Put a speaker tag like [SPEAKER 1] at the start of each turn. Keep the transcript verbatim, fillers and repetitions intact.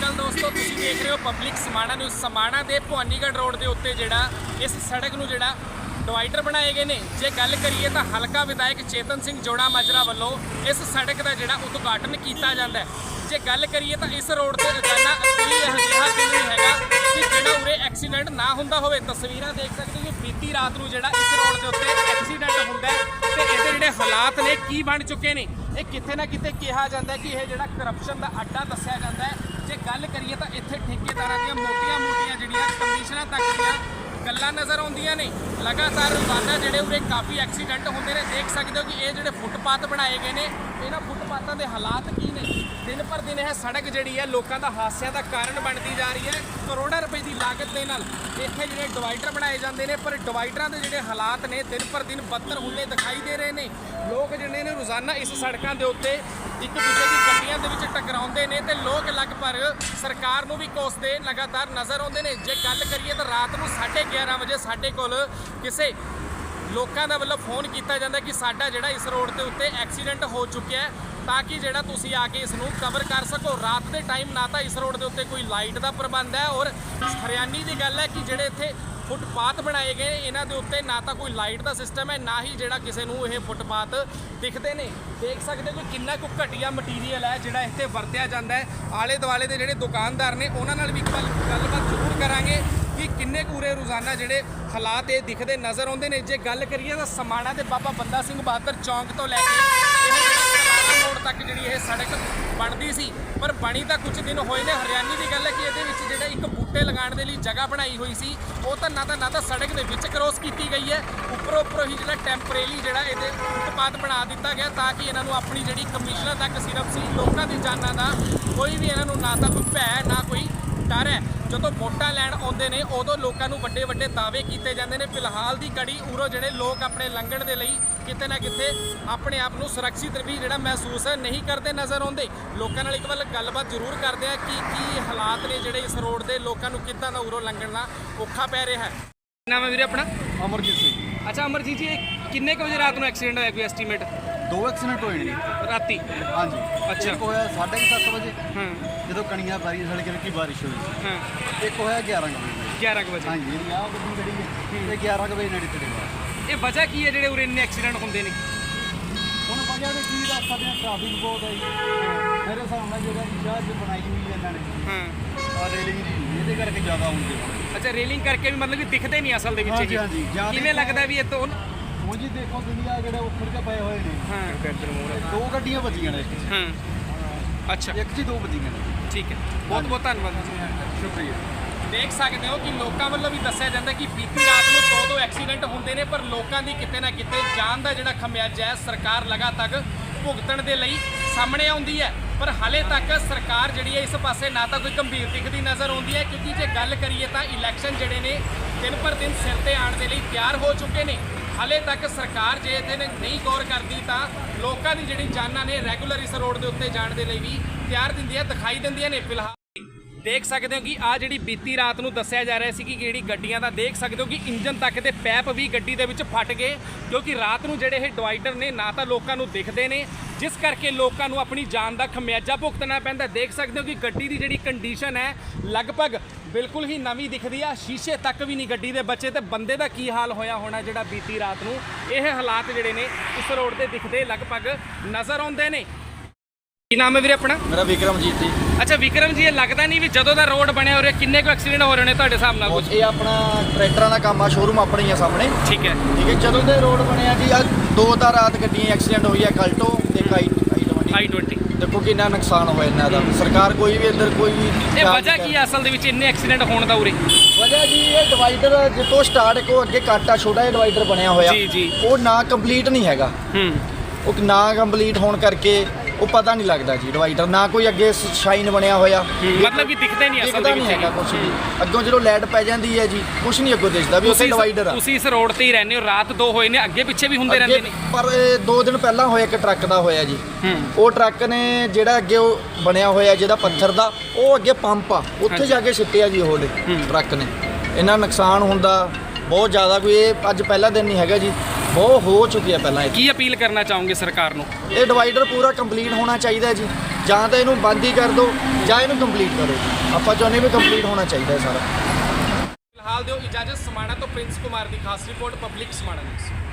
[SPEAKER 1] ਅਕਾਲ ਦੋਸਤੋ, ਤੁਸੀਂ ਦੇਖ ਰਹੇ ਹੋ ਪਬਲਿਕ ਸਮਾਣਾ ਨਿਊਜ਼। ਸਮਾਣਾ ਦੇ ਭਵਾਨੀਗੜ੍ਹ ਰੋਡ ਦੇ ਉੱਤੇ ਜਿਹੜਾ ਇਸ ਸੜਕ ਨੂੰ ਜਿਹੜਾ ਡਿਵਾਈਡਰ ਬਣਾਏ ਗਏ ਨੇ। ਜੇ ਗੱਲ ਕਰੀਏ ਤਾਂ ਹਲਕਾ ਵਿਧਾਇਕ ਚੇਤਨ ਸਿੰਘ ਜੋੜਾ ਮਾਜਰਾ ਵੱਲੋਂ ਇਸ ਸੜਕ ਦਾ ਜਿਹੜਾ ਉਦਘਾਟਨ ਕੀਤਾ ਜਾਂਦਾ ਹੈ। ਜੇ ਗੱਲ ਕਰੀਏ ਤਾਂ ਇਸ ਰੋਡ ਤੇ ਰੋਜ਼ਾਨਾ ਕੋਈ ਇਹੋ ਜਿਹਾ ਦਿਨ ਨਹੀਂ ਹੈਗਾ ਕਿ ਜਿਹੜਾ ਉਰੇ ਐਕਸੀਡੈਂਟ ਨਾ ਹੁੰਦਾ ਹੋਵੇ। ਤਸਵੀਰਾਂ ਦੇਖ ਸਕਦੇ ਹੋ ਕਿ ਬੀਤੀ ਰਾਤ ਨੂੰ ਜਿਹੜਾ ਇਸ ਰੋਡ ਦੇ ਉੱਤੇ ਐਕਸੀਡੈਂਟ ਹੁੰਦਾ ਹੈ ਤੇ ਇਹਦੇ ਜਿਹੜੇ ਹਾਲਾਤ ਨੇ ਕੀ ਬਣ ਚੁੱਕੇ ਨੇ। ਇਹ ਕਿਤੇ ਨਾ ਕਿਤੇ ਕਿਹਾ ਜਾਂਦਾ ਕਿ ਇਹ ਜਿਹੜਾ ਕਰਪਸ਼ਨ ਦਾ ਅੱਡਾ ਦੱਸਿਆ ਜਾਂਦਾ ਹੈ। ਜੇ ਗੱਲ ਕਰੀਏ ਤਾਂ ਇੱਥੇ ਠੇਕੇਦਾਰਾਂ ਦੀਆਂ ਮੋਟੀਆਂ-ਮੋਟੀਆਂ ਜਿਹੜੀਆਂ ਕਮਿਸ਼ਨਾਂ ਤੱਕ ਦੀਆਂ ਗੱਲਾਂ ਨਜ਼ਰ ਆਉਂਦੀਆਂ ਨੇ। ਲਗਾਤਾਰ ਰੋਜ਼ਾਨਾ ਜਿਹੜੇ ਉਰੇ ਕਾਫੀ ਐਕਸੀਡੈਂਟ ਹੁੰਦੇ ਨੇ। ਦੇਖ ਸਕਦੇ ਹੋ ਕਿ ਇਹ ਜਿਹੜੇ ਫੁੱਟਪਾਥ ਬਣਾਏ ਗਏ ਨੇ, ਇਹਨਾਂ ਫੁੱਟਪਾਥਾਂ ਦੇ ਹਾਲਾਤ ਕੀ ਨੇ। ਦਿਨ ਪਰ ਦਿਨ ਇਹ ਸੜਕ ਜਿਹੜੀ ਹੈ ਲੋਕਾਂ ਦਾ ਹਾਸਿਆਂ ਦਾ ਕਾਰਨ ਬਣਦੀ ਜਾ ਰਹੀ ਹੈ। ਕਰੋੜਾਂ ਰੁਪਏ ਦੀ ਲਾਗਤ ਦੇ ਨਾਲ ਇੱਥੇ ਜਿਹੜੇ ਡਿਵਾਈਡਰ ਬਣਾਏ ਜਾਂਦੇ ਨੇ, ਪਰ ਡਿਵਾਈਡਰਾਂ ਦੇ ਜਿਹੜੇ ਹਾਲਾਤ ਨੇ ਦਿਨ ਪਰ ਦਿਨ ਬੱਤਰ ਹੁੰਦੇ ਦਿਖਾਈ ਦੇ ਰਹੇ ਨੇ। ਲੋਕ ਜਿਹੜੇ ਨੇ ਰੋਜ਼ਾਨਾ ਇਸ ਸੜਕਾਂ ਦੇ ਉੱਤੇ ਇੱਕ ਦੂਜੇ ਦੀ ਗੱਡੀਆਂ ਦੇ ਵਿੱਚ ਟਕਰਾਉਂਦੇ ਨੇ ਤੇ ਲੋਕ ਲਗਭਗ ਸਰਕਾਰ ਨੂੰ ਵੀ ਕੋਸਦੇ ਲਗਾਤਾਰ ਨਜ਼ਰ ਆਉਂਦੇ ਨੇ। ਜੇ ਗੱਲ ਕਰੀਏ ਤਾਂ ਰਾਤ ਨੂੰ ਸਾਢੇ ਗਿਆਰਾਂ ਵਜੇ ਸਾਡੇ ਕੋਲ ਕਿਸੇ ਲੋਕਾਂ ਦਾ ਵੱਲੋਂ ਫੋਨ ਕੀਤਾ ਜਾਂਦਾ ਕਿ ਸਾਡਾ ਜਿਹੜਾ ਇਸ ਰੋਡ ਦੇ ਉੱਤੇ ਐਕਸੀਡੈਂਟ ਹੋ ਚੁੱਕਿਆ ਹੈ, ਤਾਂ ਕਿ ਜਿਹੜਾ ਤੁਸੀਂ ਆ ਕੇ ਇਸ ਨੂੰ ਕਵਰ ਕਰ ਸਕੋ। ਰਾਤ ਦੇ ਟਾਈਮ ਨਾ ਤਾਂ ਇਸ ਰੋਡ ਦੇ ਉੱਤੇ ਕੋਈ ਲਾਈਟ ਦਾ ਪ੍ਰਬੰਧ ਹੈ, ਔਰ ਹਰਿਆਣੀ ਦੀ ਗੱਲ ਹੈ ਕਿ ਜਿਹੜੇ ਇੱਥੇ ਫੁੱਟਪਾਥ ਬਣਾਏ ਗਏ ਇਹਨਾਂ ਦੇ ਉੱਤੇ ਨਾ ਤਾਂ ਕੋਈ ਲਾਈਟ ਦਾ ਸਿਸਟਮ ਹੈ, ਨਾ ਹੀ ਜਿਹੜਾ ਕਿਸੇ ਨੂੰ ਇਹ ਫੁੱਟਪਾਥ ਦਿਖਦੇ ਨੇ। ਦੇਖ ਸਕਦੇ ਹੋ ਕਿ ਕਿੰਨਾ ਕੁ ਘਟੀਆ ਮਟੀਰੀਅਲ ਹੈ ਜਿਹੜਾ ਇੱਥੇ ਵਰਤਿਆ ਜਾਂਦਾ ਹੈ। ਆਲੇ ਦੁਆਲੇ ਦੇ ਜਿਹੜੇ ਦੁਕਾਨਦਾਰ ਨੇ ਉਹਨਾਂ ਨਾਲ ਵੀ ਗੱਲਬਾਤ ਜ਼ਰੂਰ ਕਰਾਂਗੇ ਕਿ ਕਿੰਨੇ ਕੂਰੇ ਰੋਜ਼ਾਨਾ ਜਿਹੜੇ ਹਾਲਾਤ ਇਹ ਦਿਖਦੇ ਨਜ਼ਰ ਆਉਂਦੇ ਨੇ। ਜੇ ਗੱਲ ਕਰੀਏ ਤਾਂ ਸਮਾਣਾ ਦੇ ਬਾਬਾ ਬੰਦਾ ਸਿੰਘ ਬਹਾਦਰ ਚੌਂਕ ਤੋਂ ਲੈ ਕੇ ਇਹ ਜਿਹੜਾ ਰੋਡ ਤੱਕ ਜਿਹੜੀ ਇਹ ਸੜਕ ਬਣਦੀ ਸੀ, ਪਰ ਬਣੀ ਤਾਂ ਕੁਝ ਦਿਨ ਹੋਏ ਨੇ। ਹਰਿਆਣੀ ਦੀ ਗੱਲ ਹੈ ਕਿ ਇਹਦੇ ਵਿੱਚ ਜਿਹੜਾ ਇੱਕ ਬੂਟੇ ਲਗਾਉਣ ਦੇ ਲਈ ਜਗ੍ਹਾ ਬਣਾਈ ਹੋਈ ਸੀ, ਉਹ ਤਾਂ ਨਾ ਤਾਂ ਨਾ ਤਾਂ ਸੜਕ ਦੇ ਵਿੱਚ ਕ੍ਰੋਸ ਕੀਤੀ ਗਈ ਹੈ, ਉੱਪਰੋਂ ਉੱਪਰੋਂ ਹੀ ਜਿਹੜਾ ਟੈਂਪਰੇਰੀ ਜਿਹੜਾ ਇਹਦੇ ਫੁੱਟਪਾਥ ਬਣਾ ਦਿੱਤਾ ਗਿਆ ਤਾਂ ਕਿ ਇਹਨਾਂ ਨੂੰ ਆਪਣੀ ਜਿਹੜੀ ਕਮਿਸ਼ਨਾਂ ਤੱਕ ਸਿਰਫ ਸੀ। ਲੋਕਾਂ ਦੀ ਜਾਨਾਂ ਦਾ ਕੋਈ ਵੀ ਇਹਨਾਂ ਨੂੰ ਨਾ ਤਾਂ ਕੋਈ ਭੈ ਨਾ ਕੋਈ ਡਰ ਹੈ। ਜਦੋਂ ਵੋਟਾਂ ਲੈਣ ਆਉਂਦੇ ਨੇ ਉਦੋਂ ਲੋਕਾਂ ਨੂੰ ਵੱਡੇ ਵੱਡੇ ਦਾਅਵੇ ਕੀਤੇ ਜਾਂਦੇ ਨੇ। ਫਿਲਹਾਲ ਦੀ ਘੜੀ ਉਰੋਂ ਜਿਹੜੇ ਲੋਕ ਆਪਣੇ ਲੰਘਣ ਦੇ ਲਈ ਕਿਤੇ ਨਾ ਕਿਤੇ ਆਪਣੇ ਆਪ ਨੂੰ ਸੁਰੱਖਿਅਤ ਵੀ ਜਿਹੜਾ ਮਹਿਸੂਸ ਨਹੀਂ ਕਰਦੇ ਨਜ਼ਰ ਆਉਂਦੇ। ਲੋਕਾਂ ਨਾਲ ਇੱਕ ਵਾਰ ਗੱਲਬਾਤ ਜ਼ਰੂਰ ਕਰਦੇ ਆ ਕਿ ਕੀ ਹਾਲਾਤ ਨੇ ਜਿਹੜੇ ਇਸ ਰੋਡ ਦੇ ਲੋਕਾਂ ਨੂੰ ਕਿੱਦਾਂ ਦਾ ਉਰੋਂ ਲੰਘਣ ਦਾ ਔਖਾ ਪੈ ਰਿਹਾ ਹੈ। ਨਾਮ ਹੈ ਵੀਰੇ ਆਪਣਾ?
[SPEAKER 2] ਅਮਰਜੀਤ ਸਿੰਘ।
[SPEAKER 1] ਅੱਛਾ ਅਮਰਜੀਤ ਜੀ, ਕਿੰਨੇ ਕੁ ਵਜੇ ਰਾਤ ਨੂੰ ਐਕਸੀਡੈਂਟ ਹੋਇਆ, ਕੋਈ ਐਸਟੀਮੇਟ?
[SPEAKER 2] ਦੋ ਐਕਸੀਡੈਂਟ ਹੋਏ ਨੇ ਜੀ
[SPEAKER 1] ਰਾਤੀ?
[SPEAKER 2] ਹਾਂਜੀ।
[SPEAKER 1] ਅੱਛਾ।
[SPEAKER 2] ਇੱਕ ਹੋਇਆ ਸਾਢੇ ਕੁ ਸੱਤ ਵਜੇ
[SPEAKER 1] ਹਾਂ
[SPEAKER 2] ਜਦੋਂ ਕਣੀਆਂ ਪੈ ਰਹੀਆਂ ਸੜਕ ਵਿੱਚ ਬਾਰਿਸ਼ ਹੋਈ ਸੀ।
[SPEAKER 1] ਹਾਂ।
[SPEAKER 2] ਇੱਕ ਹੋਇਆ ਗਿਆਰਾਂ ਕੁ ਵਜੇ।
[SPEAKER 1] ਗਿਆਰਾਂ ਕੁ ਵਜੇ?
[SPEAKER 2] ਹਾਂਜੀ। ਇਹਦੀ ਆਹ ਗੱਡੀ ਖੜੀ ਹੈ ਤੇ ਗਿਆਰਾਂ ਕੁ ਵਜੇ ਨੇੜੇ ਤੇੜੇ ਬਾਅਦ।
[SPEAKER 1] ਇਹ ਵਜ੍ਹਾ ਕੀ ਹੈ ਜਿਹੜੇ ਉਰੇ ਇੰਨੇ ਐਕਸੀਡੈਂਟ ਹੁੰਦੇ ਨੇ?
[SPEAKER 2] ਹੁਣ ਵਜ੍ਹਾ ਦੇ ਕੀ ਦੱਸ ਸਕਦੇ ਹਾਂ, ਟ੍ਰੈਫਿਕ ਬਹੁਤ ਹੈ ਜੀ। ਮੇਰੇ ਹਿਸਾਬ ਨਾਲ ਜਿਹੜਾ ਸ਼ਹਿਰ 'ਚ ਬਣਾਈ ਹੋਈ ਹੈ ਇਹਨਾਂ ਨੇ
[SPEAKER 1] ਹਾਂ
[SPEAKER 2] ਆਹ ਰੇਲਿੰਗ ਦੀ, ਇਹਦੇ ਕਰਕੇ ਜ਼ਿਆਦਾ ਹੁੰਦੇ ਨੇ।
[SPEAKER 1] ਅੱਛਾ, ਰੇਲਿੰਗ ਕਰਕੇ ਵੀ ਮਤਲਬ ਕਿ ਦਿਖਦੇ ਨਹੀਂ ਅਸਲ ਦੇ ਵਿੱਚ?
[SPEAKER 2] ਹਾਂਜੀ ਹਾਂਜੀ।
[SPEAKER 1] ਕਿਵੇਂ ਲੱਗਦਾ ਵੀ ਇਹ ਤੋਂ?
[SPEAKER 2] ਹੁਣ ਜੀ ਦੇਖੋ ਦੁਨੀਆ ਜਿਹੜੇ ਉੱਪਰ ਕੇ ਪਏ ਹੋਏ ਨੇ।
[SPEAKER 1] ਹਾਂ।
[SPEAKER 2] ਦੋ ਗੱਡੀਆਂ ਵੱਜੀਆਂ ਨੇ ਇੱਕ 'ਚ।
[SPEAKER 1] ਹਾਂ। ਅੱਛਾ,
[SPEAKER 2] ਇੱਕ 'ਚ ਦੋ ਵੱਜੀਆਂ ਨੇ।
[SPEAKER 1] ਠੀਕ ਹੈ, ਬਹੁਤ ਬਹੁਤ ਧੰਨਵਾਦ ਜੀ,
[SPEAKER 2] ਸ਼ੁਕਰੀਆ।
[SPEAKER 1] ਦੇਖ ਸਕਦੇ ਹੋ ਕਿ ਲੋਕਾਂ ਵੱਲੋਂ ਵੀ ਦੱਸਿਆ ਜਾਂਦਾ ਕਿ ਬੀਤੀ ਰਾਤ ਨੂੰ ਦੋ ਦੋ ਐਕਸੀਡੈਂਟ ਹੁੰਦੇ ਨੇ, ਪਰ ਲੋਕਾਂ ਦੀ ਕਿਤੇ ਨਾ ਕਿਤੇ ਜਾਨ ਦਾ ਜਿਹੜਾ ਖਮਿਆਜਾ ਹੈ ਸਰਕਾਰ ਲਗਾਤਾਰ ਭੁਗਤਣ ਦੇ ਲਈ ਸਾਹਮਣੇ ਆਉਂਦੀ ਹੈ। ਪਰ ਹਾਲੇ ਤੱਕ ਸਰਕਾਰ ਜਿਹੜੀ ਹੈ ਇਸ ਪਾਸੇ ਨਾ ਤਾਂ ਕੋਈ ਗੰਭੀਰ ਦਿਖਦੀ ਨਜ਼ਰ ਆਉਂਦੀ ਹੈ, ਕਿਉਂਕਿ ਜੇ ਗੱਲ ਕਰੀਏ ਤਾਂ ਇਲੈਕਸ਼ਨ ਜਿਹੜੇ ਨੇ ਦਿਨ ਪਰ ਦਿਨ ਸਿਰ ਤੇ ਆਉਣ ਦੇ ਲਈ ਤਿਆਰ ਹੋ ਚੁੱਕੇ ਨੇ। ਹਾਲੇ ਤੱਕ ਸਰਕਾਰ ਜੇ ਇਹਦੇ ਨਹੀਂ ਗੌਰ ਕਰਦੀ ਤਾਂ ਲੋਕਾਂ ਦੀ ਜਿਹੜੀ ਜਾਨਾਂ ਨੇ ਰੈਗੂਲਰ ਇਸ ਰੋਡ ਦੇ ਉੱਤੇ ਜਾਣ ਦੇ ਲਈ ਵੀ ਤਿਆਰ ਦਿੰਦੀਆਂ ਦਿਖਾਈ ਦਿੰਦੀਆਂ ਨੇ। ਫਿਲਹਾਲ ਦੇਖ ਸਕਦੇ ਹੋ ਕਿ ਆ ਜਿਹੜੀ ਬੀਤੀ ਰਾਤ ਨੂੰ ਦੱਸਿਆ ਜਾ ਰਿਹਾ ਸੀ ਕਿ ਜਿਹੜੀ ਗੱਡੀਆਂ ਦਾ ਦੇਖ ਸਕਦੇ ਹੋ ਕਿ ਇੰਜਨ ਤੱਕ ਦੇ ਪੈਪ ਵੀ ਗੱਡੀ ਦੇ ਵਿੱਚ ਫਟ ਗਏ, ਕਿਉਂਕਿ ਰਾਤ ਨੂੰ ਜਿਹੜੇ ਇਹ ਡਿਵਾਈਡਰ ਨੇ ਨਾ ਤਾਂ ਲੋਕਾਂ ਨੂੰ ਦਿਖਦੇ ਨੇ, ਜਿਸ ਕਰਕੇ ਲੋਕਾਂ ਨੂੰ ਆਪਣੀ ਜਾਨ ਦਾ ਖਮਿਆਜਾ ਭੁਗਤਣਾ ਪੈਂਦਾ। ਦੇਖ ਸਕਦੇ ਹੋ ਕਿ ਗੱਡੀ ਦੀ ਜਿਹੜੀ ਕੰਡੀਸ਼ਨ ਹੈ ਲਗਭਗ ਬਿਲਕੁਲ ਹੀ ਨਵੀਂ ਦਿਖਦੀ ਆ, ਸ਼ੀਸ਼ੇ ਤੱਕ ਵੀ ਨਹੀਂ ਗੱਡੀ ਦੇ ਬਚੇ। ਤੇ ਬੰਦੇ ਦਾ ਕੀ ਹਾਲ ਹੋਇਆ ਹੋਣਾ ਜਿਹੜਾ ਬੀਤੀ ਰਾਤ ਨੂੰ ਇਹ ਹਾਲਾਤ ਜਿਹੜੇ ਨੇ ਇਸ ਰੋਡ ਦੇ ਦਿਖਦੇ ਲਗਭਗ ਨਜ਼ਰ ਆਉਂਦੇ ਨੇ। ਕੀ ਨਾਮ ਹੈ ਵੀਰੇ ਆਪਣਾ?
[SPEAKER 2] ਮੇਰਾ ਵਿਕਰਮਜੀਤ ਜੀ।
[SPEAKER 1] ਅੱਛਾ ਵਿਕਰਮ ਜੀ, ਇਹ ਲੱਗਦਾ ਨਹੀਂ ਵੀ ਜਦੋਂ ਦਾ ਰੋਡ ਬਣਿਆ ਹੋ ਰਿਹਾ ਕਿੰਨੇ ਕੁ ਐਕਸੀਡੈਂਟ ਹੋ ਰਹੇ ਨੇ ਤੁਹਾਡੇ ਹਿਸਾਬ ਨਾਲ?
[SPEAKER 2] ਇਹ ਆਪਣਾ ਟਰੈਕਟਰਾਂ ਦਾ ਕੰਮ ਆ, ਸ਼ੋਰੂਮ ਆਪਣੀ ਆ ਸਾਹਮਣੇ।
[SPEAKER 1] ਠੀਕ ਹੈ
[SPEAKER 2] ਠੀਕ ਹੈ। ਜਦੋਂ ਦੇ ਰੋਡ ਬਣਿਆ ਜੀ ਆ ਦੋ ਤਾਂ ਰਾਤ ਗੱਡੀਆਂ ਐਕਸੀਡੈਂਟ ਹੋਈ ਆ, ਕਲਟੋ ਤੇ ਆਈ
[SPEAKER 1] ਆਈ ਟਵੰਟੀ।
[SPEAKER 2] ਦੇਖੋ ਕਿੰਨਾ ਨੁਕਸਾਨ ਹੋਇਆ ਇਹਨਾਂ ਦਾ। ਸਰਕਾਰ ਕੋਈ ਵੀ ਇੱਧਰ ਕੋਈ ਵੀ
[SPEAKER 1] ਇਹ ਵਜ੍ਹਾ ਕੀ ਹੈ ਅਸਲ ਦੇ ਵਿੱਚ ਇੰਨੇ ਐਕਸੀਡੈਂਟ ਹੋਣ ਦਾ ਉਰੇ?
[SPEAKER 2] ਵਜ੍ਹਾ ਜੀ ਇਹ ਡਿਵਾਈਡਰ ਜਿੱਥੋਂ ਸਟਾਰਟ ਕੋ ਅੱਗੇ ਕੱਟ ਆ, ਛੋਟਾ ਜਿਹਾ ਡਿਵਾਈਡਰ ਬਣਿਆ ਹੋਇਆ,
[SPEAKER 1] ਜੀ ਜੀ,
[SPEAKER 2] ਉਹ ਨਾ ਕੰਪਲੀਟ ਨਹੀਂ ਹੈਗਾ।
[SPEAKER 1] ਹੂੰ।
[SPEAKER 2] ਉਹ ਨਾ ਕੰਪਲੀਟ ਹੋਣ ਕਰਕੇ ਉਹ ਪਤਾ ਨਹੀਂ ਲੱਗਦਾ ਜੀ ਡਿਵਾਈਡਰ, ਨਾ ਕੋਈ ਅੱਗੇ ਸ਼ਾਈਨ ਬਣਿਆ ਹੋਇਆ,
[SPEAKER 1] ਮਤਲਬ ਕਿ ਦਿਖਦੇ ਨਹੀਂ ਅਸਲ ਦੇ ਵਿੱਚ
[SPEAKER 2] ਹੈਗਾ ਕੁਝ ਵੀ। ਅੱਗੋਂ ਜਦੋਂ ਲਾਈਟ ਪੈ ਜਾਂਦੀ ਹੈ ਜੀ ਕੁਝ ਨਹੀਂ ਅੱਗੋਂ ਦਿਸਦਾ ਵੀ ਉੱਥੇ ਡਿਵਾਈਡਰ ਆ।
[SPEAKER 1] ਤੁਸੀਂ ਇਸ ਰੋਡ ਤੇ ਹੀ ਰਹਿੰਦੇ ਹੋ, ਰਾਤ ਦੋ ਹੋਏ ਨੇ, ਅੱਗੇ ਪਿੱਛੇ ਵੀ ਹੁੰਦੇ ਰਹਿੰਦੇ ਨੇ?
[SPEAKER 2] ਪਰ ਇਹ ਦੋ ਦਿਨ ਪਹਿਲਾਂ ਹੋਇਆ ਇੱਕ ਟਰੱਕ ਦਾ ਹੋਇਆ ਜੀ। ਉਹ ਟਰੱਕ ਨੇ ਜਿਹੜਾ ਅੱਗੇ ਉਹ ਬਣਿਆ ਹੋਇਆ ਜਿਹਦਾ ਪੱਥਰ ਦਾ, ਉਹ ਅੱਗੇ ਪੰਪ ਆ, ਉੱਥੇ ਜਾ ਕੇ ਸਿੱਟਿਆ ਜੀ ਉਹ ਟਰੱਕ ਨੇ। ਇਹਨਾਂ ਨੁਕਸਾਨ ਹੁੰਦਾ ਬਹੁਤ ਜ਼ਿਆਦਾ, ਕੋਈ ਇਹ ਅੱਜ ਪਹਿਲਾ ਦਿਨ ਨਹੀਂ ਹੈਗਾ ਜੀ, ਬਹੁਤ ਹੋ ਚੁੱਕੀ ਹੈ ਪਹਿਲਾਂ।
[SPEAKER 1] ਕੀ ਅਪੀਲ ਕਰਨਾ ਚਾਹੋਗੇ ਸਰਕਾਰ ਨੂੰ?
[SPEAKER 2] ਇਹ ਡਿਵਾਈਡਰ ਪੂਰਾ ਕੰਪਲੀਟ ਹੋਣਾ ਚਾਹੀਦਾ ਜੀ, ਜਾਂ ਤਾਂ ਇਹਨੂੰ ਬੰਦ ਹੀ ਕਰ ਦਿਓ ਜਾਂ ਇਹਨੂੰ ਕੰਪਲੀਟ ਕਰੋ। ਆਪਾਂ ਚਾਹੁੰਦੇ ਵੀ ਕੰਪਲੀਟ ਹੋਣਾ ਚਾਹੀਦਾ ਹੈ ਸਾਰਾ।
[SPEAKER 1] ਫਿਲਹਾਲ ਦਿਓ ਇਜਾਜ਼ਤ। ਸਮਾਣਾ ਤੋਂ ਪ੍ਰਿੰਸ ਕੁਮਾਰ ਦੀ ਖਾਸ ਰਿਪੋਰਟ, ਪਬਲਿਕ ਸਮਾਣਾ ਨਿਊਜ਼।